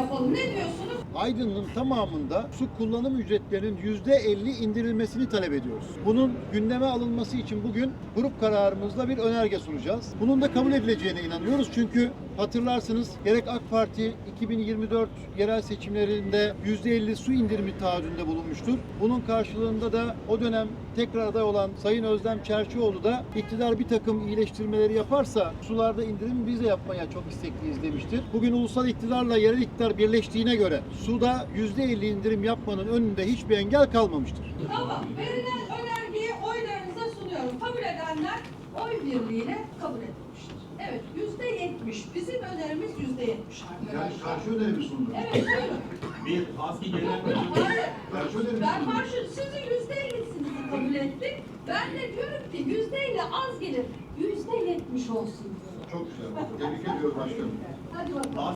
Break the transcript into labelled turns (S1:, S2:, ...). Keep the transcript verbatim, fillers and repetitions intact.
S1: yapalım. Ne diyorsunuz?
S2: Aydın'ın tamamında su kullanım ücretlerinin yüzde elli indirilmesini talep ediyoruz. Bunun gündeme alınması için bugün grup kararımızla bir önerge sunacağız. Bunun da kabul edileceğine inanıyoruz. Çünkü hatırlarsınız gerek AK Parti iki bin yirmi dört yerel seçimlerinde yüzde elli su indirimi taahhüdünde bulunmuştur. Bunun karşılığında da o dönem tekrar aday olan Sayın Özlem Çerçioğlu da iktidar bir takım iyileştirmeleri yaparsa sularda indirim biz de yapmaya çok istekliyiz demiştir. Bugün ulusal iktidarla yerel iktidar birleştiğine göre suda yüzde elli indirim yapmanın önünde hiçbir engel kalmamıştır.
S1: Tamam. Verilen önergeyi oylarınıza sunuyorum. Kabul edenler oy birliğiyle kabul edilmiştir. Evet. Yüzde yetmiş. Bizim önerimiz yüzde yetmiş arkadaşlar.
S2: Yani karşı öneri mi sundunuz?
S1: Evet. Buyurun.
S3: Bir aski genel
S1: Yok,
S3: müdürlüğü.
S1: hayır.
S2: Karşı öneri mi
S1: Ben
S2: sundunuz?
S1: karşı, sizin yüzde ellisinizi kabul ettik. Ben de diyorum ki yüzde elli az gelir. Yüzde yetmiş olsun.
S2: Çok güzel. Tebrik ediyoruz başkanım.
S1: Hadi bakalım.